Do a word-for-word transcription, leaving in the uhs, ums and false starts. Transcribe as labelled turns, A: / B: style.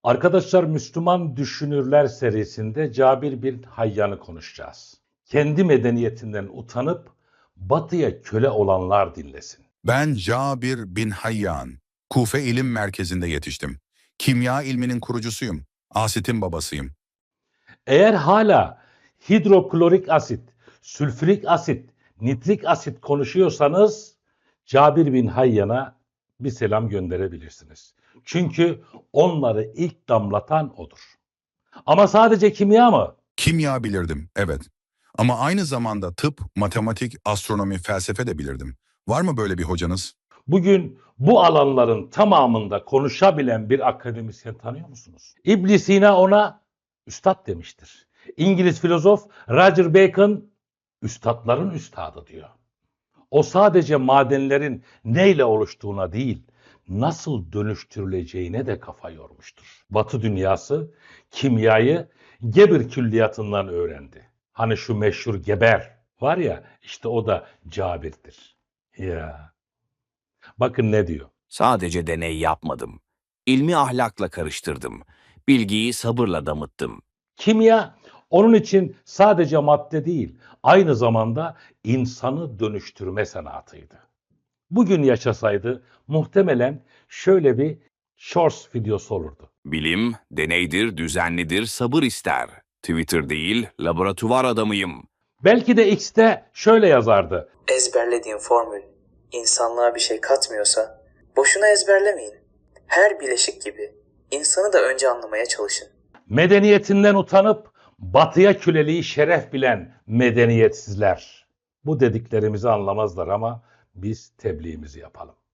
A: Arkadaşlar, Müslüman Düşünürler serisinde Cabir bin Hayyan'ı konuşacağız. Kendi medeniyetinden utanıp batıya köle olanlar dinlesin.
B: Ben Cabir bin Hayyan, Kufe İlim Merkezi'nde yetiştim. Kimya ilminin kurucusuyum. Asit'in babasıyım.
A: Eğer hala hidroklorik asit, sülfürik asit, nitrik asit konuşuyorsanız Cabir bin Hayyan'a bir selam gönderebilirsiniz. Çünkü onları ilk damlatan odur. Ama sadece kimya mı?
B: Kimya bilirdim, evet. Ama aynı zamanda tıp, matematik, astronomi, felsefe de bilirdim. Var mı böyle bir hocanız?
A: Bugün bu alanların tamamında konuşabilen bir akademisyen tanıyor musunuz? İbn Sina ona üstad demiştir. İngiliz filozof Roger Bacon üstadların üstadı diyor. O sadece madenlerin neyle oluştuğuna değil, nasıl dönüştürüleceğine de kafa yormuştur. Batı dünyası kimyayı Geber külliyatından öğrendi. Hani şu meşhur Geber var ya, işte o da Cabir'dir. Ya. Bakın ne diyor.
C: Sadece deney yapmadım. İlmi ahlakla karıştırdım. Bilgiyi sabırla damıttım.
A: Kimya onun için sadece madde değil, aynı zamanda insanı dönüştürme sanatıydı. Bugün yaşasaydı muhtemelen şöyle bir shorts videosu olurdu.
C: Bilim, deneydir, düzenlidir, sabır ister. Twitter değil, laboratuvar adamıyım.
A: Belki de X'te şöyle yazardı.
D: Ezberlediğin formül insanlığa bir şey katmıyorsa boşuna ezberlemeyin. Her bileşik gibi insanı da önce anlamaya çalışın.
A: Medeniyetinden utanıp batıya köleliği şeref bilen medeniyetsizler. Bu dediklerimizi anlamazlar ama biz tebliğimizi yapalım.